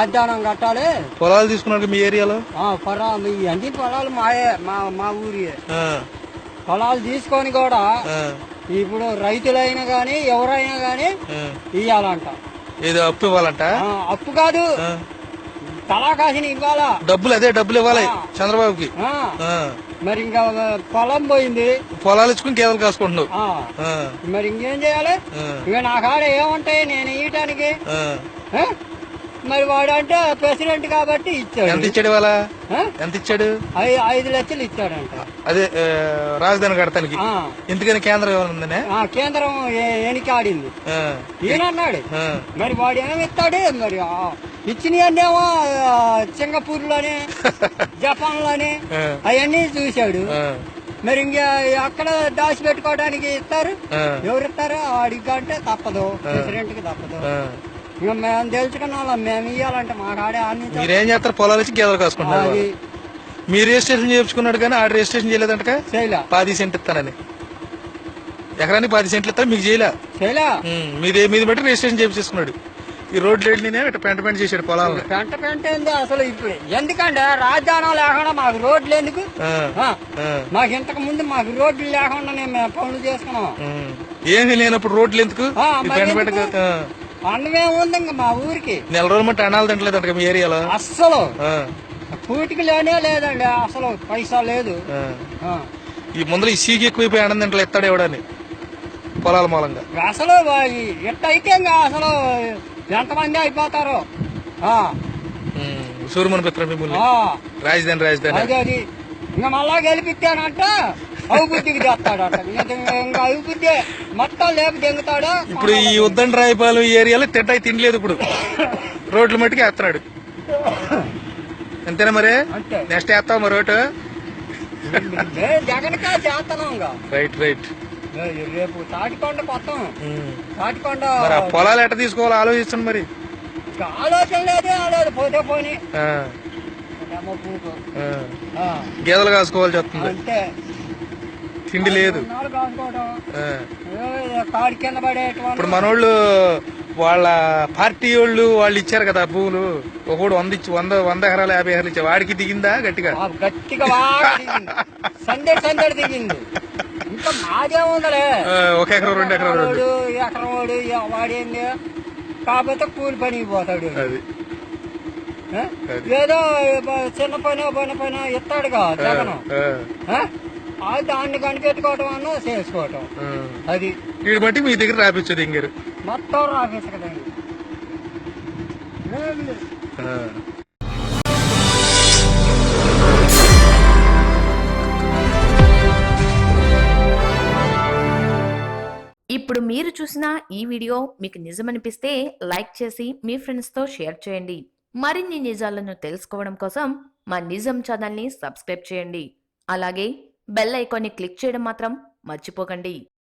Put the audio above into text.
రాజధానం కట్టాలి. పొలాలు తీసుకున్నాడు మీ ఏరియాలో? పొలాలు అన్ని పొలాలు మాయే, మా ఊరి పొలాలు తీసుకొని కూడా ఇప్పుడు రైతులైనా గాని ఎవరైనా గాని ఇయ్యాలంట. ఏదో అప్పు ఇవ్వాలంట? అప్పు కాదు, తలాకాసిన ఇవ్వాలా డబ్బులు. అదే డబ్బులు ఇవ్వాలి చంద్రబాబుకి. మరి ఇంకా పొలం పోయింది, పొలాలు ఇచ్చుకుని గేదెలు కాసుకుంటున్నావు. మరి ఇంకేం చేయాలి? ఇక నా కాడ ఏముంటాయి నేను ఇయటానికి? మరి వాడు అంటే ప్రెసిడెంట్ కాబట్టి ఇచ్చాడు. ఎంత ఇచ్చాడు ఇవాళ? ఎంత ఇచ్చాడు? 5 లక్షలు ఇచ్చాడంట. అదే రాజధాని కడతానికి. ఎందుకని కేంద్రం ఏమన్నా? కేంద్రం ఎనికాడింది ఈయనన్నాడు. మరి వాడు ఏమి ఇస్తాడు? మరి ఇచ్చినవన్నేమో సింగపూర్ లోనే జపాన్ లోనే అవన్నీ చూశాడు. మరి ఇంకా అక్కడ దాచి పెట్టుకోవడానికి ఇస్తారు. ఎవరు ఇస్తారు? వాడికి అంటే తప్పదు, ప్రెసిడెంట్ కి తప్పదు. ఇంకా మేము తెలుసుకున్న వాళ్ళం, మేము ఇవ్వాలంటే మా కాడే అన్ని. మీరేం చేస్తారు? పొలాలు వచ్చి గేదెలు కాసుకుంటారు. మీరు రిజిస్ట్రేషన్ చేయించుకున్నాడు కానీ ఆడ రిజిస్ట్రేషన్ చేయలేదంట. చేయలే. 10 సెంట్లు ఇస్తానని, ఎకరానికి 10 సెంట్లు ఇస్తాను, మీకు చేయలే. మీది బట్టి రిజిస్ట్రేషన్ చేయించుకున్నాడు. ఈ రోడ్లు ఏంటి పెంట చేశాడు పొలాలను. పెంట ఏంది అసలు? ఇప్పుడు ఎందుకంటే రాజధానం లేకుండా మాకు రోడ్లు ఎందుకు? మాకు ఇంతకు ముందు మాకు రోడ్లు లేకుండానే మేము పనులు చేసుకున్నాం. ఏమీ లేనప్పుడు రోడ్లు ఎందుకు? అన్నమేముంది ఇంకా మా ఊరికి. నెల రోజులు మట్టి అన్నాలు తింటలేదంట మీ ఏరియాలో అస్సలు. పూటికి లేనే లేదండి, అసలు పైసా లేదు. ఈ ముందర ఈ సీకి ఎక్కువైపోయి అన్నం తింటలు ఎత్తాడు ఎవడని పొలాల మూలంగా. అసలు ఎట్టయితే ఇంకా అసలు ఎంతమంది అయిపోతారు. సూర్యమని పిత్ర మిమ్మల్ని రాజధాని అది ఇంకా మళ్ళా గెలిపిస్తానంట అభివృద్ధికి చేస్తాడట. ఇంకా అభివృద్ధి మొత్తం లేపు దెంగుతాడు. ఇప్పుడు ఈ ఉద్దండ రాయపాలెం ఏరియాలో తింటాయి తినలేదు, ఇప్పుడు రోడ్ల మట్టుకు వేస్తున్నాడు. అంతేనా? మరి నెక్స్ట్ వేస్తావు మరి రోడ్డు? జగన్ కా చేస్తున్నాం. Right right. రేపు తాటికొండ కొత్తం. తాటికొండ పొలాలు ఎట్ట తీసుకోవాలి ఆలోచిస్తాను. మరి ఆలోచన లేదు, పోతే పోనీ గేదెలు కాసుకోవాల్సి వస్తుంది. అంటే తిండి లేదు. కాడి కింద పడే. ఇప్పుడు మనోళ్ళు వాళ్ళ పార్టీ వాళ్ళు ఇచ్చారు కదా భూములు. ఒకడు 100 ఎకరాలు 50 ఎకరాలు ఇచ్చారు. వాడికి దిగిందా గట్టిగా? సందడి దిగింది. ఇంకా మాదే ఉందలే, 1 ఎకరం 2 ఎకరాలు ఎకరం వాడు వాడేంది. కాకపోతే కూలి పనికి పోతాడు. అది ఏదో చిన్న పని ఇస్తాడుగా జగన్. దాన్ని కనిపెట్టుకోవటం అన్న చేసుకోవటం. అది వీడి బట్టి మీ దగ్గర రాపించదు ఇంగారు మొత్తం రాపించకదండి. ఇప్పుడు మీరు చూసిన ఈ వీడియో మీకు నిజమనిపిస్తే లైక్ చేసి మీ ఫ్రెండ్స్తో షేర్ చేయండి. మరిన్ని నిజాలను తెలుసుకోవడం కోసం మా నిజం ఛానల్ని సబ్స్క్రైబ్ చేయండి. అలాగే బెల్ ఐకాన్ని క్లిక్ చేయడం మాత్రం మర్చిపోకండి.